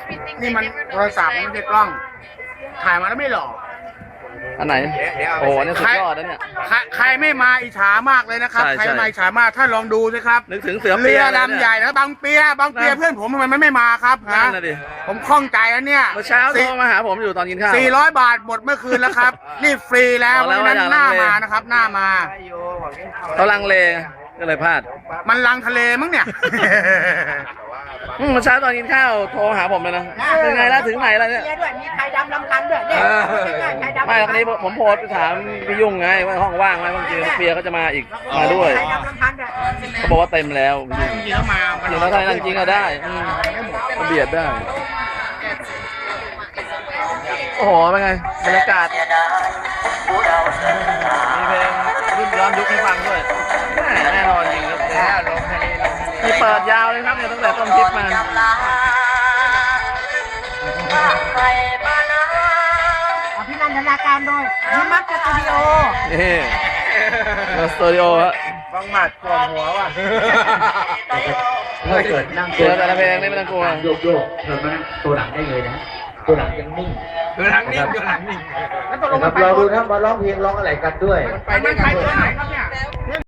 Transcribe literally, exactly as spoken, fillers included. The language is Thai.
นี่มันโทรศัพท์ไม่ใช่กล้องถ่ายมาแล้วไม่หล่ออันไหนโอ้เนี่ยสุดยอดนะเนี่ยใครใครไม่มาอิจฉามากเลยนะครับใช่ใครใช่ไม่มาอิจฉามากถ้าลองดูสิครับนึกถึงเสือเรืเปียอเลยลำใหญ่นะบางเปียบางเปียเพื่อนผมทำไมมันไม่มาครับนั่นะนน่ะดิผมคล่องใจแล้วเนี่ยเมื่อเช้าโทรมาหาผมอยู่ตอนกินข้าวสี่ร้อยบาทหมดเมื่อคืนแล้วครับ นี่ฟรีแล้วบอกเพแล้วราะฉะนั้นว่าหน้าอย่าลังเลมานะครับ หน้ามาเขาลังเลก็เลยพลาดมันลังทะเลมั้งเนี่ยอืมเมื่อเช้าตอนกินข้าวโทรหาผมเลยนะเป็นไงแล้วถึงไหนแล้วเนี่ยด้วยมีไข่ดำลำพันด้วยเนี่ยไข่ดำไม่แล้วนี้ผมโพสต์ไปถามพี่ยุ่งไงว่าห้องว่างไหมบางทีเปียเขาจะมาอีกมาด้วยไข่ดำลำพันด้วยเขาบอกว่าเต็มแล้วจริงๆแล้วมามันจริงแล้วถ้านั่นจริงก็ได้อืมก็เบียดได้ โอ้โหเป็นไงบรรยากาศมีเพลงรุ่นย้อนยุคให้ฟังด้วยแม่แน่นอนจริงครับมีเปิดยาวเลยครับเนี่ยตั้งแต่ต้นคลิปมาอภินันทนาการโดยนิมักสตูดิโอนี่สตูดิโอฮะฟังหมัดก่อนหัวว่ะถ้าเกิดนั่งเจอแต่ละเพลงนี่ไม่ต้องกลัวโยกโยกเธอมานั่งตัวหลังได้เลยนะ ตัวหลังยังนิ่งเดือดหลังนิ่งเดือดหลังนิ่งแล้วตกลงนะครับเราดูนะมาร้องเพลงร้องอะไรกันด้วยไปได้ไงครับเนี่ย